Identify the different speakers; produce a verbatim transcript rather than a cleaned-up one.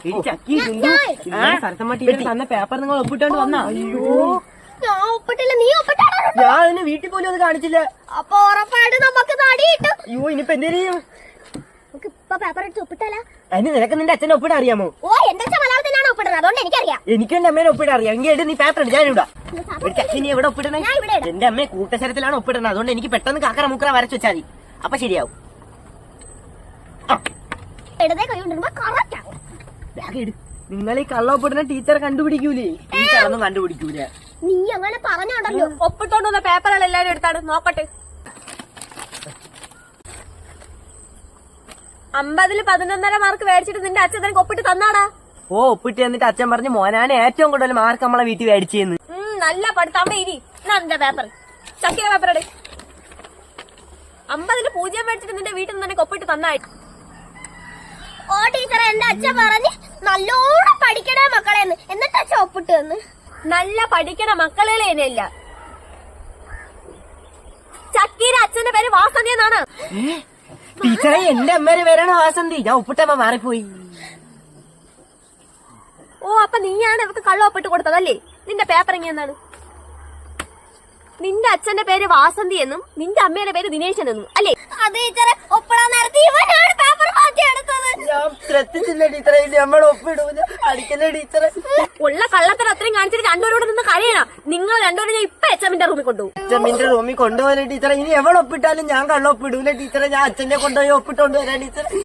Speaker 1: Sarasamma teacher തന്ന paper നിങ്ങൾ ഒപ്പിട്ടോണ്ട് വന്നാ? അയ്യോ
Speaker 2: ഞാൻ ഒപ്പിട്ടില്ല, നീ ഒപ്പിട്ടാണോ?
Speaker 1: ഞാൻ അതിന് വീട്ടിൽ പോലും അത് കാണിച്ചില്ല.
Speaker 2: അപ്പൊ ഉറപ്പായിട്ട് നമുക്ക് നടി കിട്ടും.
Speaker 1: അയ്യോ ഇനിയിപ്പോ എന്തേലും
Speaker 2: നമുക്ക് ഇപ്പൊ പേപ്പർ എടുത്ത് ഒപ്പിട്ടാല.
Speaker 1: അതിന് നിനക്ക് നിന്റെ അച്ഛനെ ഒപ്പിടാൻ അറിയാമോ?
Speaker 2: ഓ എന്റെ അച്ഛൻ മലയാളത്തിലാണ് ഒപ്പിടുന്നത്, അതുകൊണ്ട് എനിക്കറിയാം.
Speaker 1: എനിക്ക് എന്റെ അമ്മേനെ ഒപ്പിടാൻ അറിയാം. എങ്കിൽ നീ പേപ്പർ എടുത്ത് ഞാനിവിടെ നീ എവിടെ ഒപ്പിടണേ?
Speaker 2: ഞാൻ ഇവിടെ ഇടാം.
Speaker 1: എന്റെ അമ്മയെ കൂട്ടശരത്തിലാണ് ഒപ്പിടുന്നത്, അതുകൊണ്ട് എനിക്ക് പെട്ടെന്ന് കാക്കറ മുക്കറ വരച്ചു വെച്ചാൽ മതി, അപ്പൊ ശരിയാവും.
Speaker 2: ഇടതേ കൈ കൊണ്ടിരുമ്പോ കറക്റ്റ് ആവും.
Speaker 1: നിങ്ങൾ ഈ കള്ള ഒപ്പിടുന്ന ടീച്ചറെ കണ്ടുപിടിക്കൂലേ? ടീച്ചറൊന്നും കണ്ടുപിടിക്കൂല.
Speaker 2: നീ അങ്ങനെ പറഞ്ഞോണ്ടല്ലോ.
Speaker 3: ഒപ്പിട്ടോണ്ട് വന്ന പേപ്പറുകൾ എല്ലാരും എടുത്താണ് നോക്കട്ടെ. അമ്പതില് പതിനൊന്നര മാർക്ക് മേടിച്ചിട്ട് നിന്റെ അച്ഛൻ നിനക്ക് ഒപ്പിട്ട് തന്നാടാ?
Speaker 1: ഓ ഒപ്പിട്ട് എന്നിട്ട് അച്ഛൻ പറഞ്ഞു മോനാണ് ഏറ്റവും കൂടുതൽ മാർക്ക് നമ്മളെ വീട്ടിൽ മേടിച്ചെന്ന്.
Speaker 3: നല്ല പഠിത്തം. അവിടെ ഇരി, നിന്റെ പേപ്പർ ചക്കിയ പേപ്പർ എടു. അമ്പതില് പൂജ്യം മേടിച്ചിട്ട് നിന്റെ വീട്ടിൽ നിന്ന് നിനക്ക് ഒപ്പിട്ട് തന്നായി.
Speaker 2: ഓ ടീച്ചറെ, എന്റെ അച്ഛൻ പറഞ്ഞ് നല്ലോണം പഠിക്കണേ മക്കളെന്ന്, എന്നിട്ട് അച്ഛൻ ഒപ്പിട്ട് തന്ന്.
Speaker 3: നല്ല പഠിക്കണ മക്കളെ തന്നെയല്ല, ചക്കീര അച്ഛന്റെ പേര് വാസന്തി എന്നാണ്.
Speaker 1: ടീച്ചറെ എന്റെ അമ്മേരെ പേരാണ് വാസന്തി, ഞാൻ ഒപ്പിട്ടമ്മ മാറിപ്പോയി.
Speaker 3: ഓ അപ്പൊ നീയാണ് ഇവർക്ക് കള്ള ഒപ്പിട്ട് കൊടുത്തതല്ലേ? നിന്റെ പേപ്പർ എങ്ങനെയാണ്? നിന്റെ അച്ഛന്റെ പേര് വാസന്തി എന്നും നിന്റെ അമ്മയുടെ പേര് ദിനേശൻ എന്നും അല്ലേ?
Speaker 2: അത് ടീച്ചറെ ഒപ്പിടാൻ നേരത്തെ ഇവനാണ് പേപ്പർ മാറ്റി എടുത്തത്.
Speaker 1: ഞാൻ ശ്രദ്ധിച്ചില്ല ടീച്ചറെ, നമ്മൾ ഒപ്പിടൂല. അടിക്കല്ലേ ടീച്ചറെ?
Speaker 3: ഉള്ള കള്ളത്തിന് അത്രയും കാണിച്ചിട്ട് രണ്ടുപേരോട് നിന്ന് കഴിയണം. നിങ്ങൾ രണ്ടുപേരും ഞാൻ ഇപ്പൊ എച്ചമ്മിന്റെ റൂമിൽ കൊണ്ടുപോകും.
Speaker 1: അച്ഛമ്മിന്റെ റൂമിൽ കൊണ്ടുപോകാൻ ടീച്ചറെ. ഇനി എവിടെ ഒപ്പിട്ടാലും ഞാൻ കള്ള ഒപ്പിടൂല ടീച്ചറെ. ഞാൻ അച്ഛനെ കൊണ്ടുപോയി ഒപ്പിട്ടോണ്ട് വരാം ടീച്ചറെ.